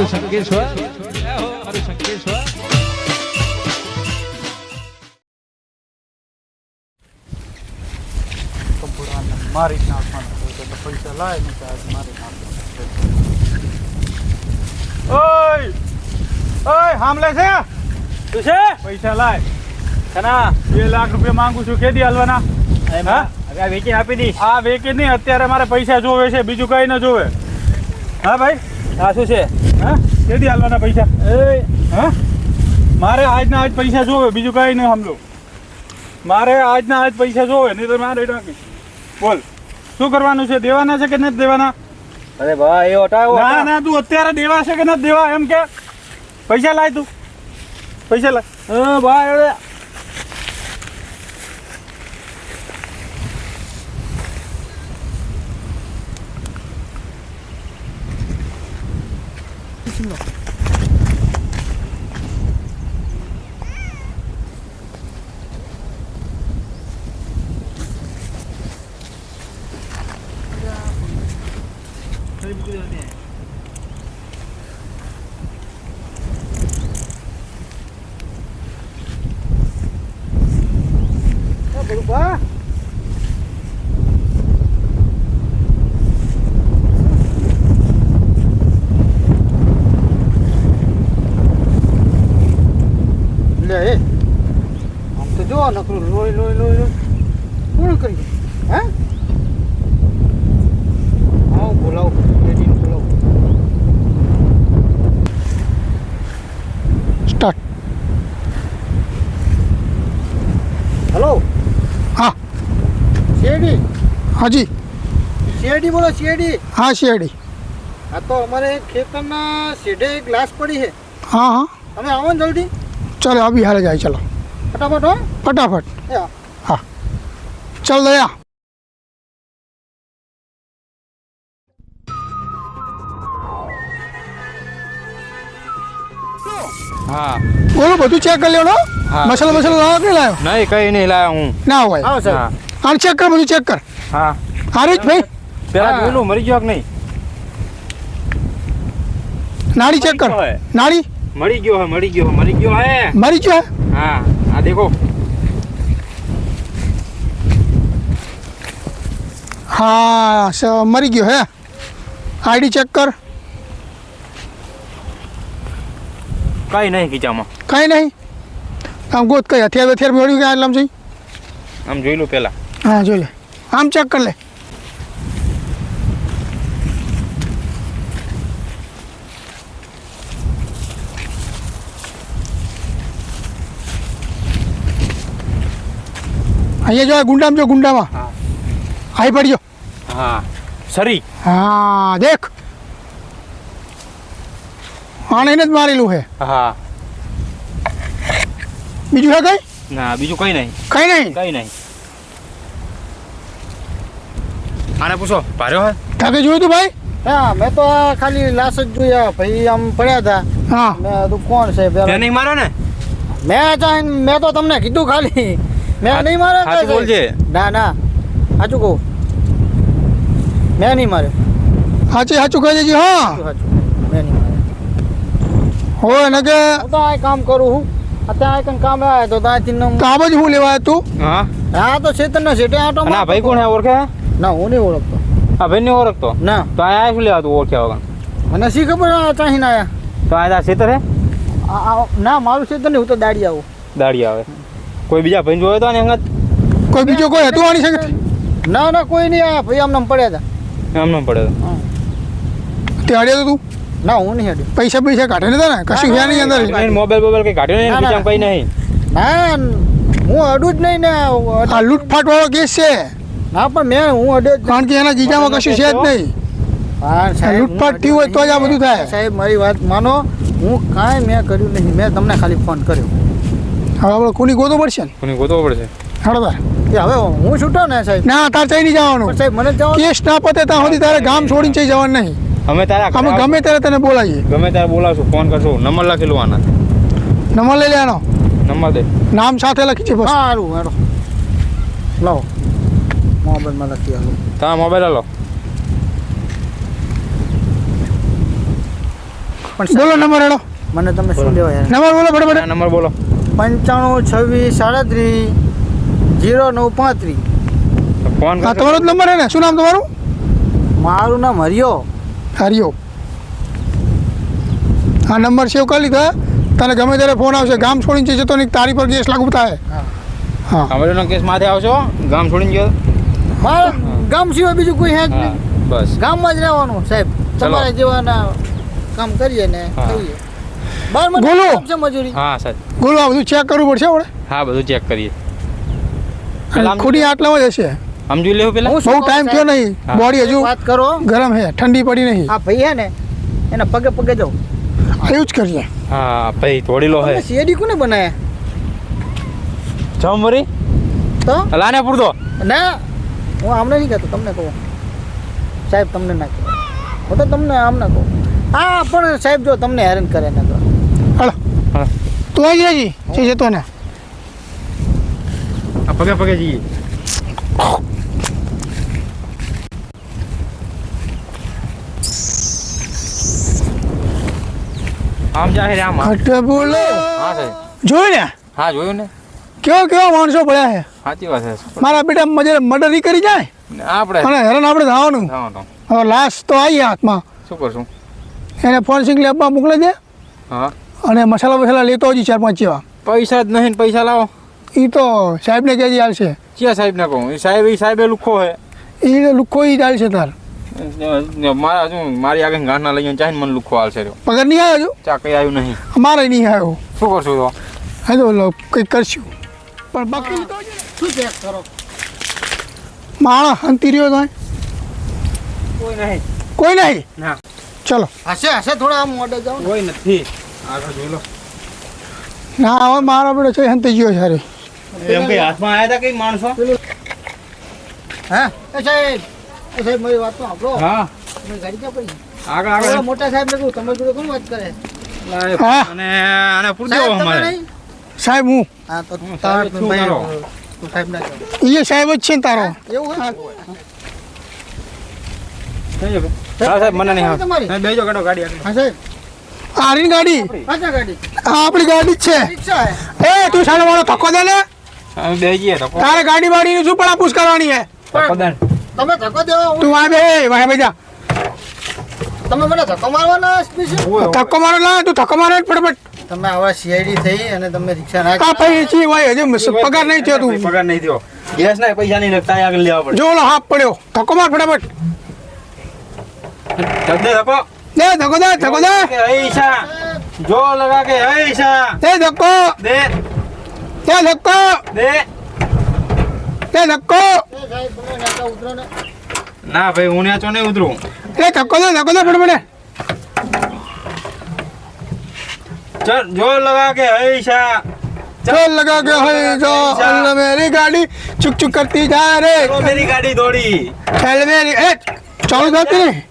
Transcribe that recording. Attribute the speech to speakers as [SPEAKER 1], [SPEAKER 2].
[SPEAKER 1] મારું શંકેશ્વર, જય હો મારું શંકેશ્વર.
[SPEAKER 2] મારી નાખવાના હોય તો પૈસા લાય ને આજ મારી નાખવાના. ઓય ઓય હામલે છે તું છે પૈસા લાય કના 2 લાખ રૂપિયા માંગુ છું કેદી હાલવાના હા હવે વેચી આપી દઈશ આ વેચી નહીં અત્યારે મારે પૈસા જોવે છે બીજું કઈ ન જોવે હા ભાઈ આ શું છે હા કેદી હાલવાના પૈસા એ હા મારે આજના આજ પૈસા જોવે બીજું કઈ નહીં સમજો મારે આજના આજ પૈસા જોવે નહીં તો મારે નાખી બોલ શું કરવાનું છે દેવાના છે કે નથી દેવાના
[SPEAKER 3] અરે ભાઈ એ હટાવો
[SPEAKER 2] ના ના તું અત્યારે દેવા છે કે નથી દેવા એમ કે પૈસા લાય તું પૈસા લાય ભાઈ બરોબર લે આમ તો જો નકરું લોય લોય લોય કોણ કરી હે આવો બોલાવો લેડીને બોલાવો સ્ટાર્ટ હેલો
[SPEAKER 4] हाँ
[SPEAKER 2] શેરડી
[SPEAKER 4] हाँ जी
[SPEAKER 2] શેરડી બોલો શેરડી
[SPEAKER 4] हाँ शेरडी
[SPEAKER 2] આ તો અમારે ખેતરના શેઢે એક ગ્લાસ પડી છે
[SPEAKER 4] हाँ हाँ
[SPEAKER 2] તમે આવો ને જલ્દી
[SPEAKER 4] चलो अभी हाल जाए चलो
[SPEAKER 2] ફટાફટ હો
[SPEAKER 4] फटाफट
[SPEAKER 2] એ આ.
[SPEAKER 4] हाँ चल दया
[SPEAKER 3] હા
[SPEAKER 4] बोलो બધું ચેક કરી લેવાનો
[SPEAKER 3] हाँ।
[SPEAKER 4] મસાલા મસાલા લાવો કે લાયો
[SPEAKER 3] નહીં કઈ નહીં લાયા હું
[SPEAKER 4] ના હોય
[SPEAKER 2] આવો સાહેબ
[SPEAKER 3] હા
[SPEAKER 4] આને ચેક કર બધું ચેક કર
[SPEAKER 3] હા
[SPEAKER 4] હારીજ ભાઈ
[SPEAKER 3] પેલા
[SPEAKER 2] હા.
[SPEAKER 3] જોયેલું મરી ગયો કે નહીં
[SPEAKER 4] નાડી ચેક કર
[SPEAKER 3] મરી ગયો હે.
[SPEAKER 4] નાડી
[SPEAKER 3] મરી ગયો હે મરી ગયો હે મરી ગયો હે
[SPEAKER 4] મરી ગયો
[SPEAKER 3] હા આ દેખો
[SPEAKER 4] हाँ मरी गयो है आईडी चेक कर
[SPEAKER 3] કઈ નહીં ખીચામાં
[SPEAKER 4] कहीं नहीं आम गोद कहीं हथियार वथियार मेળ્યું કે આટલામ છે
[SPEAKER 3] આમ જોઈ લો પેલા
[SPEAKER 4] हाँ जो ले आम चेक कर ले અહીંયા જો ગુંડામાં જો ગુંડામાં
[SPEAKER 3] હા.
[SPEAKER 4] આવી પડ્યો
[SPEAKER 3] હા સરી
[SPEAKER 4] હા દેખ આને એને જ મારેલું છે
[SPEAKER 3] હા
[SPEAKER 4] બીજું છે કઈ
[SPEAKER 3] ના બીજું કઈ નહીં
[SPEAKER 4] કઈ નહીં
[SPEAKER 3] કઈ નહીં આને પૂછો ભાર્યો હે
[SPEAKER 4] તાકે જોયું તું ભાઈ
[SPEAKER 2] હા મેં તો આ ખાલી લાશ જ જોયા ભાઈ આમ પડ્યા હતા
[SPEAKER 4] હા
[SPEAKER 2] મેં કીધું કોણ છે
[SPEAKER 3] તે
[SPEAKER 2] પેલા
[SPEAKER 3] નહીં માર્યો ને
[SPEAKER 2] મેં તો તમને કીધું ખાલી મેં નહીં મારે
[SPEAKER 3] સાચું બોલજે
[SPEAKER 2] ના ના સાચું કહું મેં નહીં મારે
[SPEAKER 4] સાચી સાચું કહી દેજે હા
[SPEAKER 2] સાચું મેં નહીં મારે
[SPEAKER 4] હોય ને કે
[SPEAKER 2] હું તો આ કામ કરું છું અત્યારે કંઈ કામ આવે તો ત્યાંથી
[SPEAKER 4] તો આ બાજુ હું લેવા આવ્યો તું
[SPEAKER 3] હા
[SPEAKER 2] હા તો ચેતનના સેટે આટો
[SPEAKER 3] ના ભાઈ કોણ હે ઓળખે
[SPEAKER 2] ના હું નહીં ઓળખતો
[SPEAKER 3] આ ભાઈ ને ઓળખતો
[SPEAKER 2] ના
[SPEAKER 3] તો આ શું લેવા તું ઓળખ્યા વગર
[SPEAKER 2] મને શી ખબર આ ચાહીને આયા
[SPEAKER 3] તો આ ખેતર હે
[SPEAKER 2] ના મારું ચેતન નહીં હું તો દાડી આવું
[SPEAKER 3] દાડી આવે કોઈ બીજા ભાઈ જોયો તો ને હંગત
[SPEAKER 4] કોઈ બીજો કોઈ હતું આની સંગત
[SPEAKER 2] ના ના કોઈ નહીં આયા ભાઈ આમને પડ્યા હતા
[SPEAKER 3] એમ ન પડે
[SPEAKER 2] હા.
[SPEAKER 4] તે અડ્યો તો તું
[SPEAKER 2] ના હું નહીં હેડ્યો
[SPEAKER 4] પૈસા પૈસા કાઢે ને તને કશું
[SPEAKER 2] ના,
[SPEAKER 4] ગયા નહીં અંદર
[SPEAKER 3] મોબાઈલ કઈ કાઢ્યો નહીં
[SPEAKER 2] ના, ના.
[SPEAKER 3] બીજા કઈ નહીં
[SPEAKER 2] ના હું અડું જ નહીં ને
[SPEAKER 4] આ લૂંટફાટ વાળો કેસ છે
[SPEAKER 2] ના પણ મેં હું અડ્યો જ
[SPEAKER 4] કારણ કે એના ગીજામાં કશું છે જ નહીં
[SPEAKER 2] હા સાહેબ,
[SPEAKER 4] લૂંટફાટ
[SPEAKER 2] હું
[SPEAKER 4] થયું હોય તો જ આ
[SPEAKER 2] અડ્યો
[SPEAKER 4] બધું
[SPEAKER 2] જ
[SPEAKER 4] થાય.
[SPEAKER 2] નહીં. સાહેબ મારી વાત માનો હું કાંઈ મેં કર્યું નહીં મેં તમને ખાલી ફોન કર્યો
[SPEAKER 4] હવે આપણે કોની ગોતો પડશે ને
[SPEAKER 3] કોની ગોતવો પડશે
[SPEAKER 4] હાડો તાર
[SPEAKER 2] એ હવે હું છૂટો ને સાહેબ
[SPEAKER 4] ના તાર ચઈ નહીં જવાનું
[SPEAKER 2] પણ સાહેબ મને જવા
[SPEAKER 4] કેસ ના પતે ત્યાં સુધી તારે ગામ છોડીને ચઈ જવાનું નહીં
[SPEAKER 3] અમે તારા
[SPEAKER 4] અમે
[SPEAKER 3] ઘરે
[SPEAKER 4] ગમે ત્યારે તને બોલાવીએ
[SPEAKER 3] ગમે ત્યારે બોલાવશું ફોન કરશું નંબર લખેલું આના
[SPEAKER 4] નંબર લઈ લેવાનો
[SPEAKER 3] નંબર દે
[SPEAKER 4] નામ સાથે લખી છે બસ
[SPEAKER 2] હા સારું હેડો લાવો મોબાઈલમાં લખી આલો
[SPEAKER 3] તમારા મોબાઈલ હાલો
[SPEAKER 5] પણ
[SPEAKER 4] બોલો નંબર હેડો
[SPEAKER 5] મને તમે શું લેવા યાર
[SPEAKER 4] નંબર બોલો ફટાફટ
[SPEAKER 3] નંબર બોલો
[SPEAKER 5] 95 26 37 0935
[SPEAKER 3] ફોન
[SPEAKER 4] હા
[SPEAKER 3] કરશો
[SPEAKER 4] તમારો જ નંબર હે ને શું નામ તમારું
[SPEAKER 5] મારું નામ હરિયો
[SPEAKER 4] હરિયો હા નંબર સેવ કરી લીધો હે? તને ગમે ત્યારે ફોન આવશે ગામ છોડીને જતો નહીં તારી પર કેસ લાગુ થાય હા
[SPEAKER 3] કામરેજનો કેસ માથે આવશો ગામ છોડીને ગયો
[SPEAKER 5] મારા ગામ સિવાય બીજું કોઈ હે જ
[SPEAKER 3] હા
[SPEAKER 5] નહીં
[SPEAKER 3] બસ
[SPEAKER 5] ગામમાં જ રહેવાનું સાહેબ તમારે જેવાના કામ કરીએ ને
[SPEAKER 3] હા.
[SPEAKER 5] ખાઈએ બાર મને
[SPEAKER 4] બોલો.
[SPEAKER 5] કામ છે મજૂરી
[SPEAKER 3] હા સર
[SPEAKER 4] બોલો આ બધું ચેક કરવું પડશે આપણે
[SPEAKER 3] હા બધું ચેક કરીએ
[SPEAKER 4] અને ખોટી આટલામાં જ હશે
[SPEAKER 3] સમજી લેવું પેલા
[SPEAKER 5] હું શું
[SPEAKER 4] બહુ
[SPEAKER 5] કહું
[SPEAKER 4] ટાઈમ થયો નહીં
[SPEAKER 3] હા.
[SPEAKER 4] બોડી હજુ
[SPEAKER 5] વાત કરો
[SPEAKER 4] ગરમ છે ઠંડી પડી નહીં
[SPEAKER 5] આ ભાઈ હે ને એના પગે પગે જાઓ
[SPEAKER 4] એવું જ કરીએ
[SPEAKER 3] હા ભાઈ તોડી લો હે
[SPEAKER 5] તમે શેરડી કોને બનાયા
[SPEAKER 3] જમરી
[SPEAKER 5] તો
[SPEAKER 3] લાને પૂરતો
[SPEAKER 5] ના હું આમને નહીં કહેતો તમને કહું સાહેબ તમને ના કહું હું તો તમને આમને કહું હા પણ સાહેબ જો તમને હેરાન કરે ને તો
[SPEAKER 4] હલો
[SPEAKER 3] હા
[SPEAKER 4] તું આવી જાય છે જતો ને
[SPEAKER 3] આ પગે પગે જઈએ આમ જાહેર આમ
[SPEAKER 4] ઘટ બોલો
[SPEAKER 3] હા સાહેબ
[SPEAKER 4] જોયું ને
[SPEAKER 3] હા જોયું ને
[SPEAKER 4] કેવા માણસો પડ્યા છે
[SPEAKER 3] સાચી વાત છે
[SPEAKER 4] મારા બેટા મજે મર્ડર કરી જાય
[SPEAKER 3] ને આપણે
[SPEAKER 4] અને હેરાન આપણે થવાનું
[SPEAKER 3] થવાનું.
[SPEAKER 4] હવે લાશ તો આવી હાથમાં
[SPEAKER 3] શું કરશું
[SPEAKER 4] એને ફોરેન્સિક લેબમાં મોકલી દે
[SPEAKER 3] હા
[SPEAKER 4] અને મસાલા લેતો હજી 4-5 જેવા
[SPEAKER 3] પૈસા જ નહીં ને પૈસા લાવો
[SPEAKER 4] એ તો સાહેબને કહેજે હાલશે
[SPEAKER 3] ક્યાં સાહેબ ને કહું એ સાહેબે લુખો હે
[SPEAKER 4] એ લુખો ઈ ચાલશે તાર
[SPEAKER 3] મારા શું મારી આગળ ગાંઠના લઈને ચાહીને મને લુખો હાલશે રહ્યો
[SPEAKER 4] પગાર નહીં આવ્યો હજુ
[SPEAKER 3] ચા કઈ આવ્યું નહીં
[SPEAKER 4] અમારે નહીં આવ્યો
[SPEAKER 3] શું કરશું તો
[SPEAKER 4] હા તો કંઈક કરશું પણ બાકી
[SPEAKER 5] શું ચેક કરો
[SPEAKER 4] માણસ હંતી રહ્યો તો
[SPEAKER 3] કોઈ નહીં
[SPEAKER 4] કોઈ નહીં
[SPEAKER 3] ના
[SPEAKER 4] ચલો
[SPEAKER 5] હશે હશે થોડા આમ મોઢે જાઓ ને.
[SPEAKER 3] કોઈ નથી આગળ જોઈ લો
[SPEAKER 4] ના હવે મારો બેટો છે હંતી ગયો છે હારે.
[SPEAKER 3] એમ કઈ હાથમાં આવ્યા હતા કઈ માણસો
[SPEAKER 5] હા એ સાહેબ મારી વાત તો સાંભળો
[SPEAKER 3] હા
[SPEAKER 5] તમે ગાડી ક્યાં પડી
[SPEAKER 3] આગળ
[SPEAKER 5] ઓલા
[SPEAKER 3] આગળ
[SPEAKER 5] મોટા સાહેબ ને કહું તમારી જોડે કોણ વાત કરે
[SPEAKER 4] હા.
[SPEAKER 3] અને આને પૂરી દેવો
[SPEAKER 5] સાહેબ તમે
[SPEAKER 3] અમારે
[SPEAKER 5] નહીં
[SPEAKER 4] સાહેબ હું
[SPEAKER 5] હા તો
[SPEAKER 3] હું
[SPEAKER 5] તાર
[SPEAKER 3] સાહેબ છું
[SPEAKER 5] ભાઈ
[SPEAKER 3] તારો.
[SPEAKER 5] તું સાહેબ ના કહો
[SPEAKER 4] એ સાહેબ જ છે ને તારો
[SPEAKER 5] એવું હે
[SPEAKER 3] હા સાહેબ મને નહીં
[SPEAKER 5] તમારી
[SPEAKER 3] આવે બેજો કાઢો ગાડી આગળ
[SPEAKER 5] હા સાહેબ
[SPEAKER 4] આરી ગાડી
[SPEAKER 5] પાછા ગાડી
[SPEAKER 4] આ આપણી ગાડી જ છે
[SPEAKER 5] રિક્ષા હે
[SPEAKER 4] એ તું સાલો વાળો ધક્કો દે ને
[SPEAKER 3] અમે બે જઈએ તો
[SPEAKER 4] તારે ગાડી બાડીની શું પણ પૂછ કરવાની છે
[SPEAKER 3] પદાન
[SPEAKER 5] તમે ધક્કો દેવા હું-
[SPEAKER 4] તું વાય બેજા
[SPEAKER 5] તમે મને ધક્કો મારવાના સ્પેશિયલ
[SPEAKER 4] ધક્કો મારો લા તું ધક્કો મારે જ ફટાફટ
[SPEAKER 5] તમે આવા સીઆઈડી થઈ અને તમે રિક્ષા ના
[SPEAKER 4] કા ભાઈ જી ભાઈ હજુ પગાર નહીં થયો તું
[SPEAKER 3] પગાર નહીં થયો ગેસ ના પૈસા નહીં લગતા આગળ લેવા પડે
[SPEAKER 4] જો ઓલો હાફ પડ્યો ધક્કો માર ફટાફટ
[SPEAKER 3] દે ધક્કો
[SPEAKER 4] દે ધક્કો દે ધક્કો દે
[SPEAKER 3] કે હૈસા જો લગા કે હૈસા
[SPEAKER 4] દે ધક્કો
[SPEAKER 3] દે
[SPEAKER 4] દે ધક્કો
[SPEAKER 3] દે
[SPEAKER 4] દે ધક્કો
[SPEAKER 5] એ સાહેબ તમે નાકા ઉતરો ને
[SPEAKER 3] ના ભાઈ હું ન્યાચો નહીં ઉતરું
[SPEAKER 4] એ ધક્કો દે ફટાફટ
[SPEAKER 3] ચલ જો લગા કે હૈસા
[SPEAKER 4] चल लगा के है जो अल्लाह मेरी गाड़ी चुक चुक करती जा रे
[SPEAKER 3] મેરી ગાડી દોડી
[SPEAKER 4] चल मेरी ए चालू करती नहीं